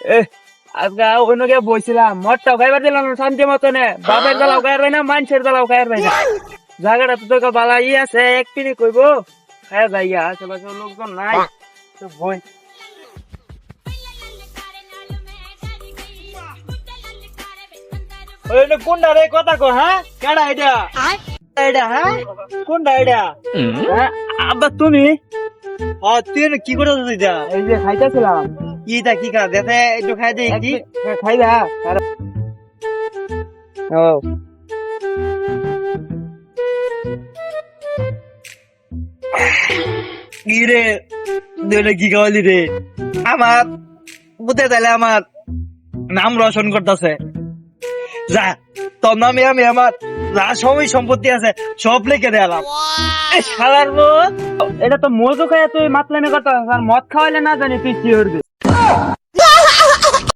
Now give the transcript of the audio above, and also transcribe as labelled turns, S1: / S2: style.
S1: আজকে অন্যকে বইছিলাম মদটাও খাইবার দিলাম না শান্তি মতনে, বাপের জ্বালাও খাইবার পাই না, মানুষের জ্বালাও খাইবার পাই না। জায়গাটা তো তোকে বালা আছে, এক পিনি কইবো খায়া যাইয়া, আশেপাশে লোকজন নাই তো বই। কোনটা রে কথা কো? হ্যাঁ কেডা এটা? এটা হ্যাঁ কোনটা এটা? আব্বা তুমি?
S2: তুই কি করে দিতা?
S1: এই যে খাইতেছিলাম।
S2: ইটা কি খা দেখে একটু খাই দে কি
S1: খাই দা। ও
S2: কি রে দুইটা কি খাওয়ালি রে? আমার বুঝতে তাইলে আমার নাম রোশন করতেছে। যা তোর নামে আমি আমার যা সবই সম্পত্তি আছে সব লিখে দিলাম।
S1: শালার এটা তো মজু খাইয়া তুই মাতলামি করতে, মদ খাওয়াইলে না জানি তুই কি করবি।